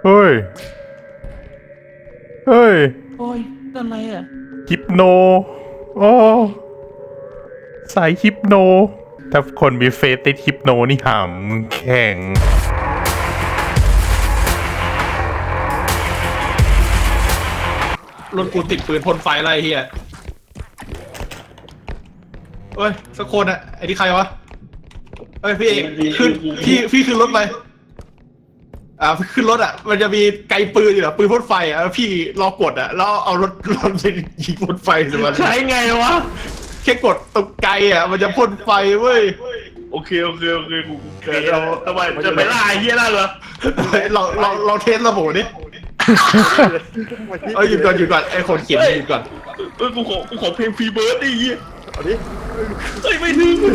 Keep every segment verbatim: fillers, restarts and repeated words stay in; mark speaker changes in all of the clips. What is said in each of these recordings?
Speaker 1: เฮ้ยเฮ้ย
Speaker 2: โอ้ยนั่นอะไรอ่ะ
Speaker 1: ฮิปโนโอ้สายฮิปโนถ้าคนมีเฟซติดฮิปโนนี่หำแข่ง
Speaker 3: รถกูติดปืนพ่นไฟอะไรเฮียเอ้ยสักคนอะไอ้ที่ใครวะเอ้ยพี่ขึ้นพี่พี่ขึ้นรถไปอ่าขึ้นรถอะมันจะมีไกลปืนอยู่อะปืนพ่นไฟอะพี่รอกดอะแล้วเอารถรถไปยิงพ่นไฟสิมันใช้ไงวะแค่กดตรงไกลอะมันจะพ่นไฟเว้ย
Speaker 4: โอเคโอเคโอเคกูเคยเราทำไมจะไปล่าไอ้เฮียนั่นเหรอ
Speaker 3: เราเราเราเทสระบบดิเอ้ยหยุดก่อนหยุดก่อนไอ้คนเขียนหยุดก่อน
Speaker 4: เอ้ยกูขอกูขอเพลงฟรีเบิร์ดดิเฮีย
Speaker 5: เอาดิ
Speaker 4: เฮ้ยไม่ถึง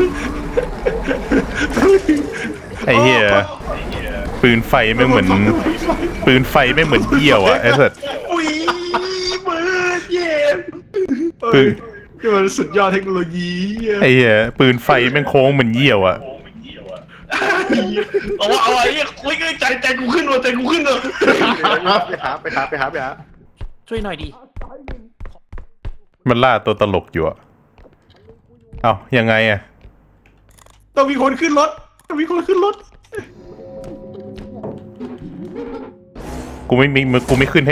Speaker 1: ไอ้เหี้ยปืนไฟไม่เหมือนปืนไฟไม่เหมือนเยี่ยวอ่ะไอ้สัส
Speaker 4: อุ้ยเบิร์ดเย่
Speaker 1: ปืน
Speaker 3: นี่มันสุดยอดเทคโนโลยี
Speaker 1: ไอ้เหี้ยปืนไฟแม่งโค้งเหมือนเยี่ยวอ่ะ
Speaker 4: เอาว่าเอาไอ้เหี้ยคุยกันใจใจกูขึ้นว่ะใจกูขึ้นเลย
Speaker 5: ไปหาไปหาไปหาไปหา
Speaker 2: ช่วยหน่อยดิ
Speaker 1: มันล่าตัวตลกอยู่อ่ะเอ้ายังไงอ่ะ
Speaker 3: ต้องมีคนขึ้นรถต้องมีคนขึ้นรถ
Speaker 1: กูไม่มีกูไม่ขึ้นให้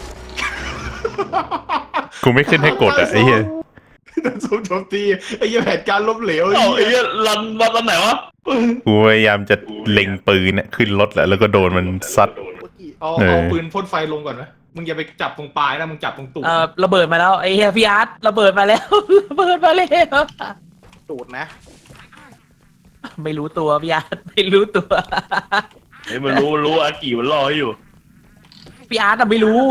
Speaker 1: กูไม่ขึ้นให้กดอ่ะไอ้เหี้ย
Speaker 3: โดนโจมตีไอ้เหี้ยแผนการล้มเหลว
Speaker 4: ไอ้เหี้ยรันรันตอนไหนวะ
Speaker 1: กูพยายามจะเล็งปืนเนี่ยขึ้นรถแหละแล้วก็โดนมันซัด
Speaker 3: เอาเอาปืนพ่นไฟลงก่อนนะมึงอย่าไปจับตรงปลายนะมึงจับตรงตูด
Speaker 2: เอ่อระเบิดมาแล้วไอ้เฮียพี่อาร์ตระเบิดมาแล้วระเบิดมาแล้ว
Speaker 5: ตูดนะ
Speaker 2: ไม่รู้ตัวพี่อาร์ตไม่รู้ตัว
Speaker 4: ไอ้มันรู้รู้อากิมันรออยู่
Speaker 2: พี่อาร์ตอะไม่รู้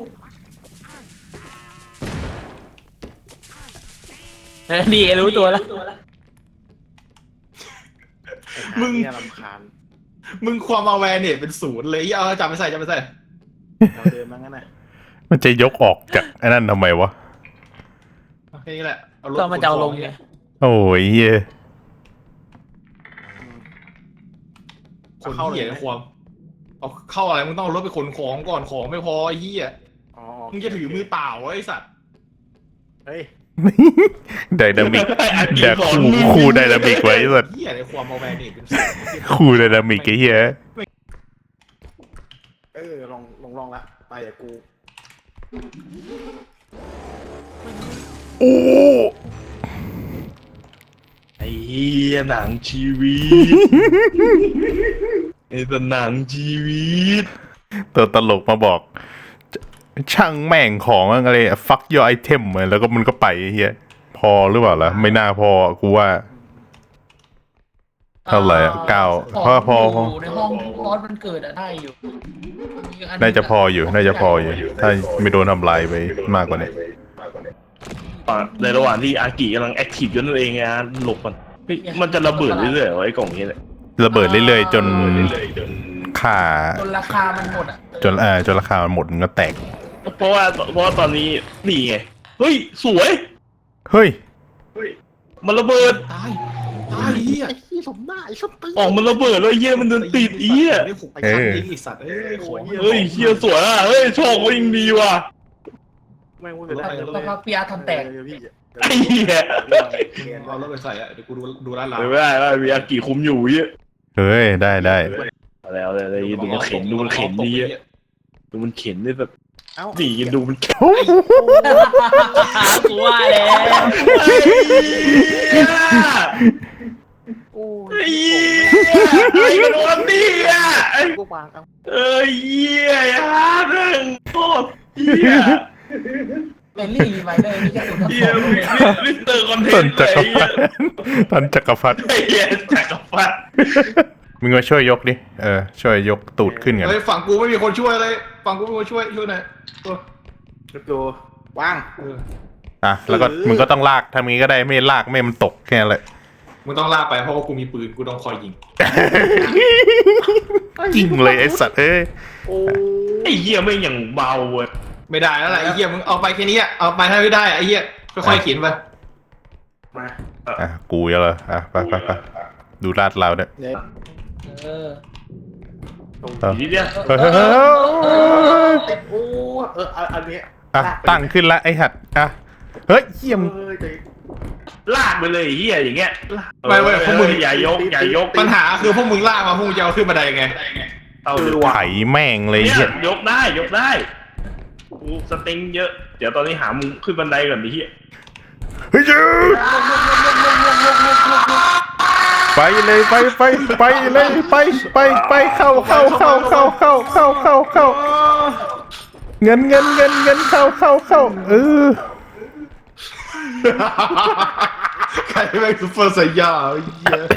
Speaker 2: เออนี่รู้ตัวแล้ว
Speaker 3: มึง
Speaker 5: รำคาญ
Speaker 3: มึงความเอาแวร์เนี่ยเป็นศูนย์เลยเอาจับไปใส่จับไปใส่
Speaker 5: เราเดินมางั้นน่ะ
Speaker 1: มันจะยกออกจากไอ้นั่นทำไมวะ
Speaker 3: แค่นี้แหละเอารถ
Speaker 2: ก็มาเจ้าลงไง
Speaker 1: โอ้ยเหี้ย
Speaker 3: คนเหี้ยความเอาเข้าอะไรมึงต้องเอารถไปขนของก่อนของไม่พอไอ้เหี้ยมึงจะถือมือเปล่าไอ้สัตว์
Speaker 5: เฮ้ย
Speaker 1: ไดนามิกเดี๋ยวคู่คู่ไดนามิกไว้สัตว์
Speaker 3: เหี้ยในความเอาแวร์เนี่ยเป็น
Speaker 1: คู่ไดนามิกไอ้เหี้ย
Speaker 5: เออลองลองลองละไปอย่ากู
Speaker 1: โอ้
Speaker 4: ไอ้เหี้ยหนังชีวิตไอ้ตัวหนังชีวิต
Speaker 1: ตัวตลกมาบอกช่างแม่งของอะไรฟักยอไอเทมแล้วก็มันก็ไปเฮียพอหรือเปล่าล่ะไม่น่าพอกูว่าเท่าไหร่อ่ะเก้าเพราะพอ
Speaker 2: ในห้องร้อนมันเกิดอะได้อยู่
Speaker 1: น่าจะพออยู่น่าจะพออยู่ถ้าไม่โดนทำลายไปมากกว่านี้
Speaker 4: ในระหว่างที่อากิกำลังแอคทีฟอยู่นั่นเองไงหลบมันมันจะระเบิดเรื่อยๆไอ้กล่องนี้เลย
Speaker 1: ระเบิดเรื่อยๆจนค่า
Speaker 2: จนราคามันหมดอ่ะ
Speaker 1: จนเออจนราคามันหมดมันก็แตก
Speaker 4: เพราะว่าเพราะว่าตอนนี้นี่ไงเฮ้ยสวย
Speaker 1: เฮ้ย
Speaker 4: มันระเบิด
Speaker 3: ตายตายเหี้ย
Speaker 5: ไอ้สมหน้าไอ้สมตี
Speaker 4: ออกมันระเบิดแล้วเหี้ยมันเดินติดเหี้ย
Speaker 3: เออไอ้สัตว์เอ้ย
Speaker 4: เฮ้ยเหี้ยสวยอ่ะเฮ้ยโชคก็ยังดีว่ะ
Speaker 5: แม่งพูดไปแล้ว
Speaker 2: เพราะว่าพี่อาร์ทำแตก
Speaker 4: ไอ้เหี้ย
Speaker 3: เอารถไปใส่อะเดี๋ยวกูดูดูร้านเรา
Speaker 4: ไม่ได้ไม่ได้มีอากิคุมอยู่เหี้ย
Speaker 1: เฮ้ยได้ได้
Speaker 4: แล้วเลยดูมันเข็นดูมันเข็นดีดูมันเข็นได้แบบ
Speaker 5: เอ้า
Speaker 4: ดีกันดูมัน
Speaker 2: กูว่าแล้ว
Speaker 4: โอ้ยไอ้โดนดีอ่ะไอ้
Speaker 5: กูวางเอา
Speaker 4: เอ้ยเหี้ยฮะเรื่องโคตรเหี้ย
Speaker 2: เป็นรีไวเดอร์นี่จะถูกทำ
Speaker 4: เหี้ยมิสเตอร์คอนเทนต์
Speaker 1: จักรพรรดิท่านจักรพรรดิ
Speaker 4: ไอ้เหี้ยจักรพรรดิ
Speaker 1: มึงมาช่วยยกดิเออช่วยยกตูดขึ้นกัน
Speaker 3: เฮ้ยฝั่งกูไม่มีคนช่วยเลยฝั่งกูไม่มีคนช่วยช่วยหน่อยตัว
Speaker 5: ตัวว่าง
Speaker 1: อ่ะแล้วก็มึงก็ต้องลากทำงี้ก็ได้ไม่ลากไม่มันตกแค่นั้นแหละ
Speaker 3: มึงต้องลากไปเพราะว่ากูมีปืนกูต้องคอยยิง
Speaker 1: ยิงเลยไอ้สัตว์เอ้ย
Speaker 4: โอ้ไอ้เหี้ยไม่อย่างเบาเว้ย
Speaker 3: ไม่ได้แล้วแหละไอ้เหี้ยมึงเอาไปแค่นี้เอาไปให้ไม่ได้ไอ้เหี้ยค่อยๆเขียนไป
Speaker 5: มา
Speaker 1: อ่ะกูยังเหรออ่ะไปไปไปดูลาดเราเนี่ย
Speaker 2: เออ
Speaker 5: ตรง
Speaker 1: เออ
Speaker 4: ทีเดียว
Speaker 1: เฮ้ยเฮ้ยเฮ้ย
Speaker 5: ติดโอ้เอออันนี้
Speaker 1: อ่ะตั้งขึ้นละไอ้หัดอ่ะเฮ้ยเยี่ยม
Speaker 5: เออใจ
Speaker 4: ลากไปเลยไอ้เฮียอย่างเงี้ย
Speaker 3: ไม่ไม่พวกมึง
Speaker 4: อย่ายกอย่ายก
Speaker 3: ปัญหาคือพวกมึงลากมาพวกมึงจะเอาขึ้นบันไดไง
Speaker 4: เอาเลย
Speaker 1: ไถแม่งเลย
Speaker 4: เนี่ย
Speaker 1: เหี้ย
Speaker 4: ยกได้ยกได้กูสเต็งเยอะ เดี๋ยวตอนนี้หามุมขึ้นบันไดก่อนดิเฮีย
Speaker 1: เฮ้ยยืดไปเลยไปไปไปเลยไปไปไปเข้าเข้าเข้าเข้าเข้าเข้าเข้าเข้าเงินเงินเงินเงินเข้าเข้าเข้าเออ
Speaker 3: ใครแม่งซุปเปอร์ไซย่าไอ้เหี้ย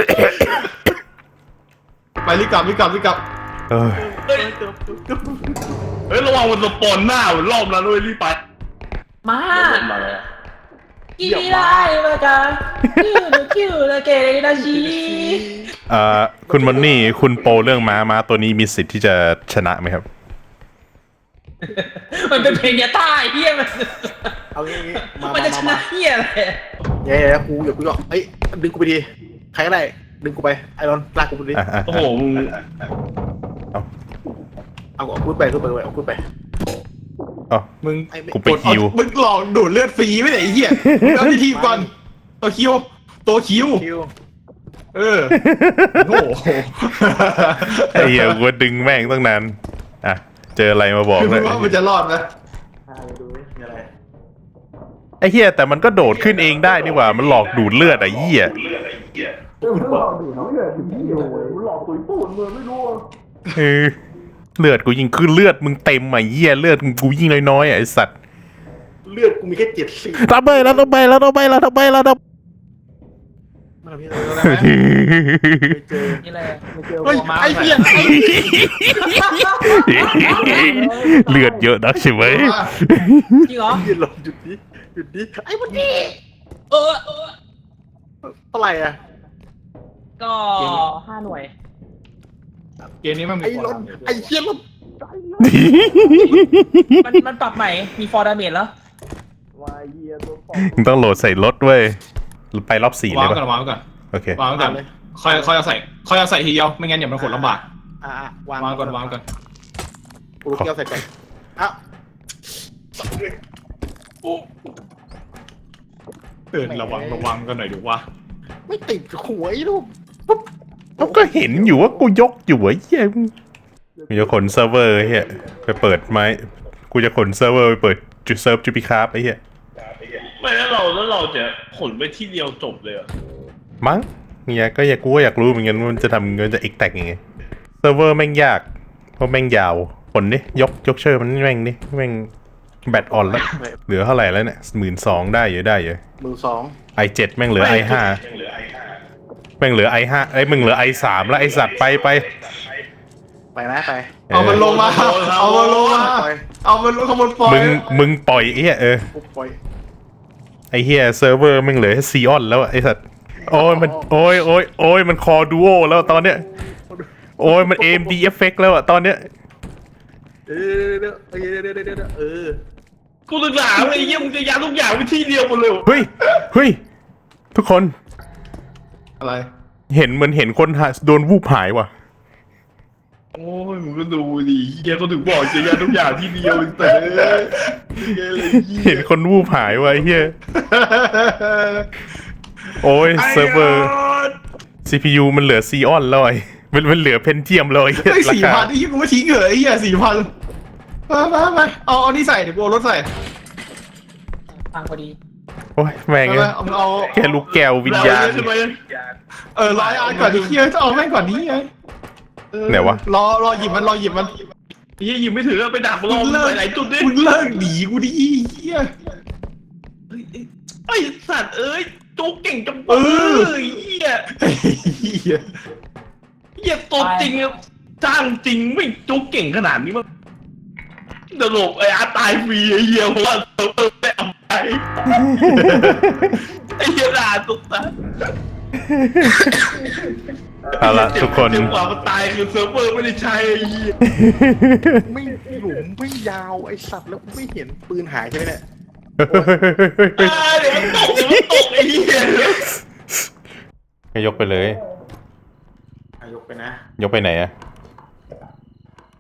Speaker 3: ไปรีบกลับรีบกลับรีบกลับ
Speaker 1: เออ
Speaker 4: เฮ้ยเฮ้ยระวังมันสปอนหน้าเหมือนรอบนั้นด้วยรีบไป
Speaker 2: มา
Speaker 4: มาแล้ว
Speaker 2: กี่ได้มาจ้ะคิวคิวละเกเรนาชี
Speaker 1: เอ่อคุณมอนนี่คุณโปรเรื่องม้าม้าตัวนี้มีสิทธิ์ที่จะชนะไหมครับ
Speaker 2: มันเป็นเพลงยาใต้เฮียมัน
Speaker 5: เอางี้งี้มา
Speaker 2: มันจะชนะเฮียอะไร
Speaker 5: เย้แล้วกูอย่ากูหรอกเฮ้ยดึงกูไปดีใครก็ได้ดึงกูไปไอ้รอนลากกูไปดิ
Speaker 1: อ่ะอ่ะ
Speaker 4: โอ้โหมึง
Speaker 5: เอาเอากูไปกูไปเอากูไป
Speaker 1: อ๋อ
Speaker 3: มึง
Speaker 1: กูไปคิว
Speaker 3: มึงหลอกดูดเลือดฟรีไม่ไหนไอ้เหี้ยมึงเอาที่ทีมก่อนตัวคิวตัวคิว
Speaker 5: คิว
Speaker 3: เออโอ้โห
Speaker 1: ไอ้เหี้ยกูดึงแม่งตั้งนานอ่ะเจออะไรมาบอก
Speaker 3: คือ
Speaker 1: เล
Speaker 3: มึ
Speaker 1: ย
Speaker 3: งว่ามันจะรอดไหม
Speaker 5: อ่าดูดิมีอะไร
Speaker 1: ไอ้เหี้ยแต่มันก็โดดขึ้นเองได้นี่หว่ามันหลอกดูดเลือดไอ้เหี้ยเออเลือดกูยิงคือเลือดมึงเต็มอ่ะเหี้ยเลือดกูยิงน้อยๆอ่ะไอ้สัตว์
Speaker 5: เลือดกูมีแค่เจ็ดสิบ
Speaker 1: ทำไมแล้วทำไมแล้วทำไมแล้วทำไมแล้วทำไม
Speaker 5: มันพี่เราได้ไหมไม่เจอ
Speaker 2: นี่แหละ
Speaker 5: ไม่เจอเฮ้ยไอ้เหี้ย
Speaker 1: เลือดเยอะนักใช่ไหม
Speaker 2: จริงเหรอ
Speaker 5: ยืนลงหยุดนี้หยุดนี้ไอ้มันนี่
Speaker 2: เออเออ
Speaker 5: เท่าไหร่อ่ะ
Speaker 2: ก็ห้าหน่วย
Speaker 3: เกมนี้มันมี
Speaker 5: ไอ้
Speaker 3: คน
Speaker 5: รถ
Speaker 3: ทำอยู่
Speaker 5: ไอ้เหี้ยรถ
Speaker 2: มันมันปรับใหม่มีฟอร์ดาเมจแล้ว
Speaker 5: วายเหี้ยตัวฟอ
Speaker 1: มึงต้องโหลดใส่รถเว้ยไปรอบสี่เล
Speaker 3: วาง
Speaker 1: ย
Speaker 3: ไว้
Speaker 1: ปะ
Speaker 3: ก่อนวางไว้ก่อน
Speaker 1: โอเค
Speaker 3: วางไว้ก่อนค่อยค่อยเอาใส่ค่อยเอาใส่ทีเดียวไม่งั้นเดี๋ยวมันขนลำบาก
Speaker 5: อ่ะวาง
Speaker 3: วางก่อนวางก่อน
Speaker 5: กูลูกแก้วใส่ก่อนอ้าว
Speaker 3: เออระวังระวังกันหน่อยดูว่า
Speaker 5: ไม่ติดหัวไอ้ลูก
Speaker 1: เขาก็เห็นอยู่ว่ากูยกอยู่ไอ้เหี้ยกูจะขนเซิร์ฟเวอร์ไอ้เหี้ยไปเปิดไม้กูจะขนเซิร์ฟเวอร์ไปเปิดจุดเซิร์ฟจูปิคาร์ไอ้เหี้ย
Speaker 4: ไม่แล้วเราแล้วเราจะขนไปที่เดียวจบเลยเหรอ
Speaker 1: มั้งเนี่ยก็อยากกูก็อยากรู้เหมือนกันว่ามันจะทำเงินจะเอ็กแตกยังไงเซิร์ฟเวอร์แม่งยากเพราะแม่งยาวผลนี่ยกยกเชอร์มันแม่งนี่แม่งแบตอ่อนแล้วเหลือเท่าไหร่แล้วเนี่ยหมื่นสองได้อยู่ได้อยู่
Speaker 5: มือสอง
Speaker 1: ไอเจ็ดแม่งเหลือไอห้าแม่งเหลือไอห้าไอ้ยมึงเหลือไอสามแล้วไอสัตว์ไปไป
Speaker 5: ไปนะไป
Speaker 3: เอามันลงมาเอามันลงมา
Speaker 5: ปล่อย
Speaker 3: เอามันลงขบวนปล่อย
Speaker 1: มึงมึงปล่อยไอ้เหี้ยเออ
Speaker 5: ปุ๊บปล่อย
Speaker 1: ไอเฮียเซิร์ฟเวอร์แม่งเหลือซีออนแล้วอะไอสัตว์โอ้ยมันโอ้ยโอ้ยโอ้ยมันคอดูโอแล้วตอนเนี้ยโอ้ยมันเอ็มดีเอฟเฟกแล้วอะตอนเนี้ย
Speaker 5: เดี๋ยวเดี๋ยวเดี๋ยวเดี๋ยวเดี๋ยวเดี๋ยวเดี๋ยวเออ
Speaker 4: กูศึกษาไอ้เหี้ยมึงจะยัดทุกอย่างไปที่เดียวหมดเลย
Speaker 1: เฮ้ยเฮ้ยทุกคน
Speaker 3: อะไร
Speaker 1: เห็นเหมือนเห็นคนหาโดนวูบหายว่ะ
Speaker 4: โอ้ยมึงก็ดูดิเหี้ยก็ถึงบอกจะยัดทุกอย่างที่เดียวแต่เลยเหี้ยเลยเหี้ย
Speaker 1: เห็นคนวูบหายว่ะไอ้เฮียโอ้ยเซิร์ฟเวอร์ ซี พี ยู มันเหลือซีออนแล้วไอ้มันมันเหลือเพนเทียมแล้วไอ้เหี้ย
Speaker 3: ไอ้
Speaker 1: รา
Speaker 3: สี่
Speaker 1: คา
Speaker 3: พันไอ้ยี่กูไม่ทิ้งเหรอไอ้เหี้ยสี่พันไปไปไปเอาเอานี่ใส่เดี๋ยวกูเอารถใส่
Speaker 2: ฟังพอดี
Speaker 1: โอ้ยแม่ง
Speaker 3: ไป
Speaker 1: เอ้
Speaker 3: ไป
Speaker 1: ย
Speaker 3: เอามึงเอา
Speaker 1: แค่ลูกแก้ววิญญาณ
Speaker 4: ใช่ไหม
Speaker 3: เออร้อยอันก่อนดิเคียจะเอาแม่งก่อนนี้ไงเออ
Speaker 1: ไหนวะ
Speaker 3: รอรอหยิบมันรอหยิบมัน
Speaker 4: เหี้ยยิงไม่ถึงอะไปดักรอ
Speaker 3: มึง
Speaker 4: มึง
Speaker 3: เลิ
Speaker 4: ไป
Speaker 3: ก
Speaker 4: ไหนจุดดิ
Speaker 3: มึงเลิกหนีกูดิเฮีย
Speaker 4: ไอ้สัตว์เอ้ยจุกเก่งจัง
Speaker 3: เออ
Speaker 4: เหี้ย
Speaker 3: เฮีย
Speaker 4: เหี้ยตัวจริงอะจ้างจริงไม่จุกเก่งขนาดนี้มั้งตลกไอ้อาตายฟรีไอ้เหี้ยเพราะว่าเซิร์ฟเวอร์ไม่เอาไปไอ้เหี้ยด่าตุ๊กตา
Speaker 1: เอาละทุกคน
Speaker 4: เจ็บกว่ามันตายคือเซิร์ฟเวอร์ไม่ได้ใช้ไอ้เหี้ย
Speaker 5: ไม่หลุมไม่ยาวไอ้สัตว์แล้วกูไม่เห็นปืนหายใช่ไหมเนี่ย
Speaker 4: อ่าเดี๋ยวมันตกเดี๋ยวมันตกไอ้เหี้ย
Speaker 1: ก็ยกไปเลย
Speaker 5: อายกไปนะ
Speaker 1: ยกไปไหนอะ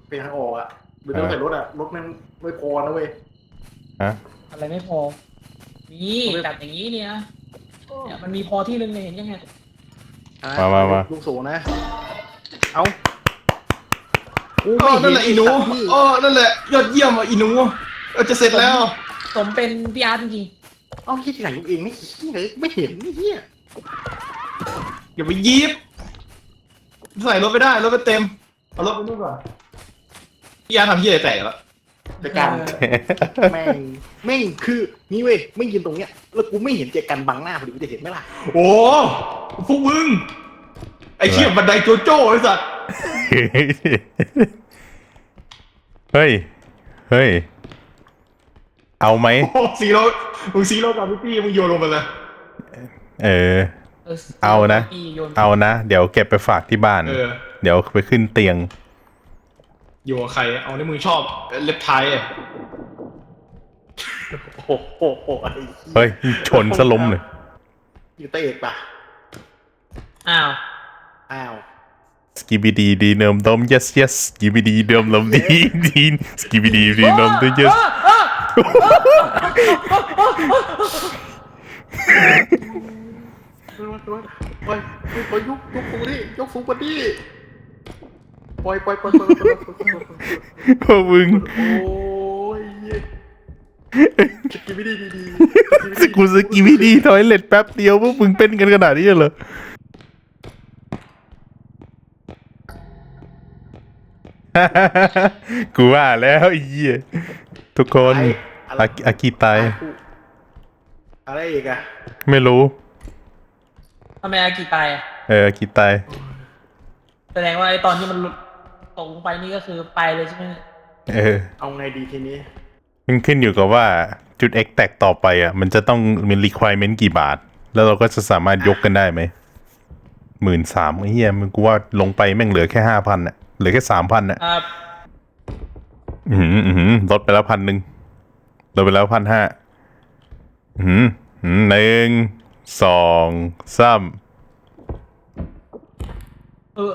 Speaker 5: เป็นทางออกอ่ะหรือต้องใส่รถอ่ะรถแม่งไม่พอนะเว้ย
Speaker 1: ฮะ
Speaker 2: อะไรไม่พอนี่จัดอย่างนี้เนี่ยเนี่ยมันมีพอที่นึงเนี่ยเห็นยังไง
Speaker 1: มามามา
Speaker 5: ลูกสูงนะเอากู
Speaker 3: อ๋อ
Speaker 5: ไม่เห็
Speaker 3: นั่นแหละอีหนู
Speaker 5: พี่
Speaker 3: อ๋อนั่นแหละยอดเยี่ยมอ่ะอีหนูเออจะเสร็จแล้ว
Speaker 2: สมเป็นพี่อาร์ตจริง
Speaker 5: เอาที่ที่ไหนลูกเองไม่เห็นไม่เห็นนี่เฮีย
Speaker 3: อย่าไปยีบใส่รถไม่ได้รถไม่เต็มเอารถไปนู่นก่อนพี่ยาทำเหี้ยอะไรแตกแล้ว
Speaker 5: แต่การแม่งแม่งคือนี่เว้ยไม่ยืนตรงเนี้ยแล้วกูไม่เห็นเจกันบังหน้าพอดีกูจะเห็นไหมล่ะ
Speaker 3: โอ้พวกมึงไอ้เชี่ยบันไดโจโจ้ไอ้สัตว์
Speaker 1: เฮ้ย เฮ้ย เอาไหม
Speaker 3: โอ้ซีโร่มึงซีโร่กับพี่มึงโยนลงไปเลย
Speaker 1: เออ
Speaker 2: ๆ
Speaker 1: เอานะ
Speaker 2: พี่โยน
Speaker 1: เอานะ เดี๋ยวเก็บไปฝากที่บ้าน
Speaker 3: เออ
Speaker 1: เดี๋ยวไปขึ้นเตียง
Speaker 3: อยู่กับใครเอาที่มึงชอบเล็บไทยอ่ะ
Speaker 5: โอ้โหโอ้โหไอ้
Speaker 1: เฮ้ย ชนสลมเลย
Speaker 5: อยู่เตะเอกป่ะ
Speaker 2: อ้าว
Speaker 5: อ้าว
Speaker 1: สกิบิดีดีเนิมดม yes yes สกิบิดีเดิมลมดีดีสกิบิดีดีเนิมดม yes
Speaker 5: ปล่อยปล่อยยกยกฟูดิยกฟูกว่าดิปล่อยปล่อยปล่อยปล่อยปล่อยปล่อย
Speaker 1: พวกมึง
Speaker 5: โอ้ยสกิบิดีดีดี
Speaker 1: สกูสกิบิดีทอยเล็ตแป๊บเดียวพวกมึงเป็นกันขนาดนี้เหรอ กูว่าแล้วไอ้เหี้ยทุกคนอากิอากิตาย
Speaker 5: อะไรอีกอะ
Speaker 1: ไม่รู้
Speaker 2: ทำไมอากิตายอะ
Speaker 1: เอออากิตาย
Speaker 2: แสดงว่าไอ้ตอนที่มันหลุดตกลงไปนี่ก็คือไปเลยใช่ไหม
Speaker 1: เออ
Speaker 5: เอาไงดีทีนี้
Speaker 1: มันขึ้นอยู่กับว่าจุด X แตกต่อไปอ่ะ มันจะต้องมี requirement กี่บาท แล้วเราก็จะสามารถยกกันได้ไหมหมื่นสามไอ้เหี้ยมันกูว่าลงไปแม่งเหลือแค่ห้าพันอ่ะเหลือแค่สามพันอ่ะ
Speaker 2: ครับ
Speaker 1: อืมอืมลดไปแล้วพันหนึ่งลดไปแล้วพันห้าอืมอืมหนึ่งสองสาม
Speaker 2: เออ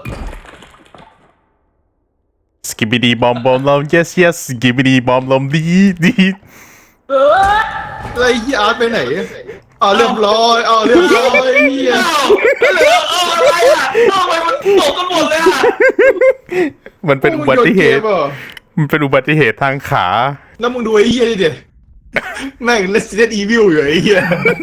Speaker 1: สกิบิดีบอมบอมลม yes yes สกิบิดีบอมลมดีดี
Speaker 2: เออ
Speaker 3: ไอ้เหี้ยอาร์ตไปไหนอ๋อเรียบร้อยอ๋อเรียบร้อยเหี้ย
Speaker 4: อ้าวเหลือเอาอะไรอ่ะทำไมมันตกกันหมดเลยอ่ะ
Speaker 1: มันเป็นอุบัติเหตุ
Speaker 3: พวกมึงโยนกมรอ
Speaker 1: มันเป็นอุบัติเหตุทางขา
Speaker 3: แล้วมึงดูไอ้เหี้ยดิเดี๋ยวแม่ง Resident Evil อยู่ไอ้เหี้ย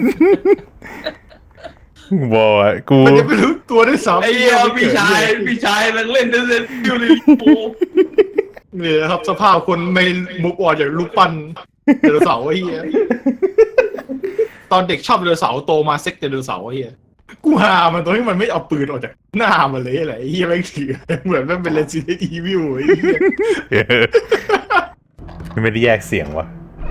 Speaker 1: บอยกู
Speaker 3: มันจะไม่รู้ตัวด้วยซ้ำ
Speaker 4: ไอ้เหี้ยพี่ชายพี่ชายนังเล่นเล่นดิวลิปู
Speaker 3: นี่นะครับสภาพคนไม่มุกออกจากลูกปั้นไดโนเสาร์ไอ้เหี้ยตอนเด็กชอบไดโนเสาร์โตมาเซ็กไดโนเสาร์ไอ้เหี้ยกูหามันตรงที่มันไม่เอาปืนออกจากหน้ามันเลยอะไรไอ้เหี้ยแม่งถือเหมือนมันเป็น Resident Evil ไอ้เหี้ย
Speaker 1: เออไม่ได้แยกเสียงวะ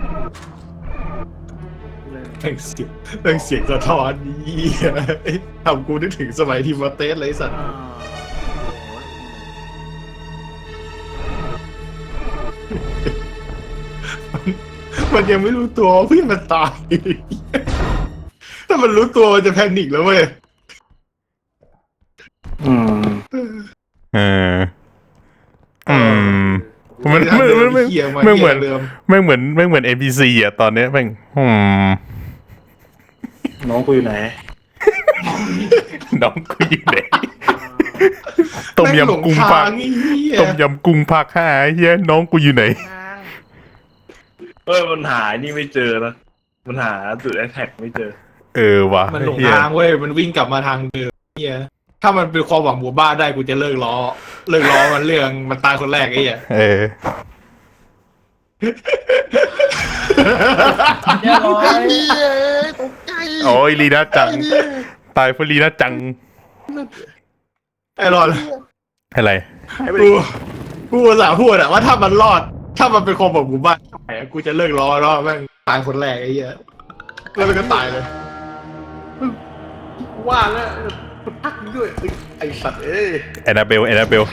Speaker 3: แม่งเสียงแม่งเสียงสะท้อนเหี้ยทำกูนึกถึงสมัยทีมเตสเลยไอ้สัตว์ มันยังไม่รู้ตัวว่าเพื่อนมันตาย ถ้ามันรู้ตัวมันจะแพนิคแล้วเว้ย
Speaker 5: อืม
Speaker 1: เอออืมมันมันมันมัน
Speaker 3: เหี้ยา
Speaker 1: มันเหมือน
Speaker 3: เดิม
Speaker 1: ไม่เหมือนไม่เหมือน เอ็น พี ซี อ่ะตอนเนี้ยแม่งอืม
Speaker 5: น้องกูอยู่ไหน
Speaker 1: น้องกูอยู่ไหนต้มยำกุ้งภาค
Speaker 3: แม่หลทางไอ้เหี้ย
Speaker 1: ต้มยำกุ้งภาคห้าไอ้เฮียน้องกูอยู่ไหน
Speaker 4: เฮ้ยมันหานี่ไม่เจอนะมันหาจุดแอทแทกไม่เจอ
Speaker 1: เออว่ะ
Speaker 3: มันหลง
Speaker 1: เหี้ย
Speaker 3: ทางเว้ยมันวิ่งกลับมาทางเดิมเหี้ยถ้ามันเป็นความหวังหมู่บ้านได้กูจะเลิกล้อเลิกล้อมันเรื่องมันตายคนแรกไอ้เหี้ย
Speaker 1: เออ
Speaker 2: เรียบร้อย
Speaker 5: ตกใจ
Speaker 1: โอ้ยลีน่าจัง ตายเพราะลีน่าจัง
Speaker 3: ไอ้รอด
Speaker 1: อะไร
Speaker 3: กูกูอุตส่าห์พูดอะว่าถ้ามันรอด ถ้ามันเป็นความหวังหมู่บ้านกูจะเลิกล้อแล้วแม่งตายคนแรกไอ้เหี้ยแล้วมันก็ตายเลย
Speaker 5: ว่าแล้วพักด้วยไอสัตว์เอ้ย
Speaker 1: แอนนาเบลแอนนาเบล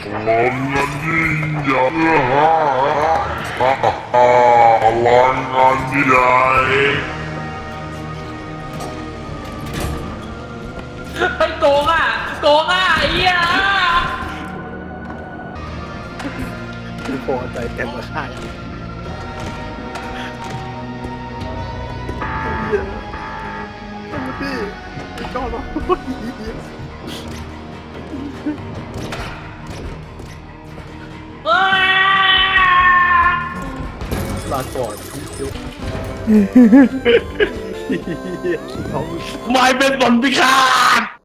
Speaker 2: ไปโกงอ่ะโกงอ่ะไอ้เหี้ย
Speaker 5: ไม่พอใจแต่มาฆ่าอย่างเหี้ยพี่พี่ก็ร้อง
Speaker 2: ว้า
Speaker 5: ลาก่อนพี่ยุกน้อง
Speaker 4: ไม่เป็นบอลพิฆาต